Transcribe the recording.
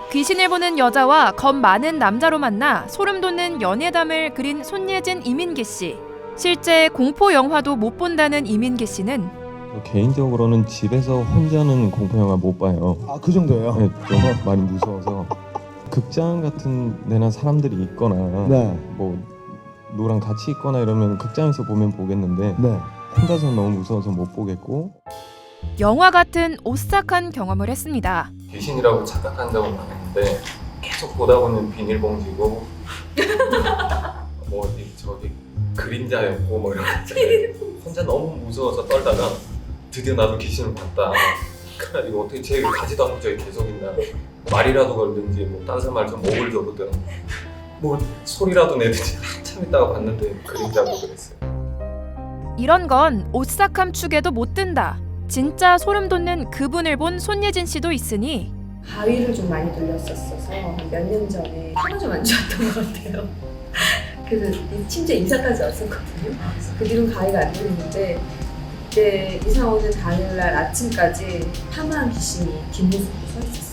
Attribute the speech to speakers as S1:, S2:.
S1: 귀신을 보는 여자와 겁 많은 남자로 만나 소름 돋는 연애담을 그린 손예진, 이민기 씨. 실제 공포 영화도 못 본다는 이민기 씨는
S2: 개인적으로는 집에서 혼자는 공포 영화 못 봐요.
S3: 아, 그 정도예요?
S2: 네, 좀 많이 무서워서 극장 같은 데나 사람들이 있거나
S3: 네.
S2: 뭐 누구랑 같이 있거나 이러면 극장에서 보면 보겠는데
S3: 네.
S2: 혼자서 너무 무서워서 못 보겠고.
S1: 영화 같은 오싹한 경험을 했습니다.
S2: 귀신이라고 착각한다고는 안 했는데 계속 보다 보면 비닐봉지고 뭐 어디 저기 그림자였고 뭐 이런 거 있잖아요. 혼자 너무 무서워서 떨다가 드디어 나도 귀신을 봤다. 그래가지고 어떻게 쟤 가지도 않고 저기 계속 있나, 말이라도 걸든지 뭐 다른 사람 말좀 목을 줘보든 뭐 소리라도 내든지 한참 있다가 봤는데 그림자고 그랬어요.
S1: 이런 건 오싹함 축에도 못 든다. 진짜 소름 돋는 그분을 본 손예진 씨도 있으니
S4: 가위를 좀 많이 돌렸었어서 몇 년 전에 혀가 좀 안 좋았던 것 같아요. 그래서 심지어 임상까지 왔었거든요. 그 뒤로 가위가 안 돌리는데 그때 이사 오는 당일날 아침까지 파마한 귀신이 뒷모습으로 서 있었어요.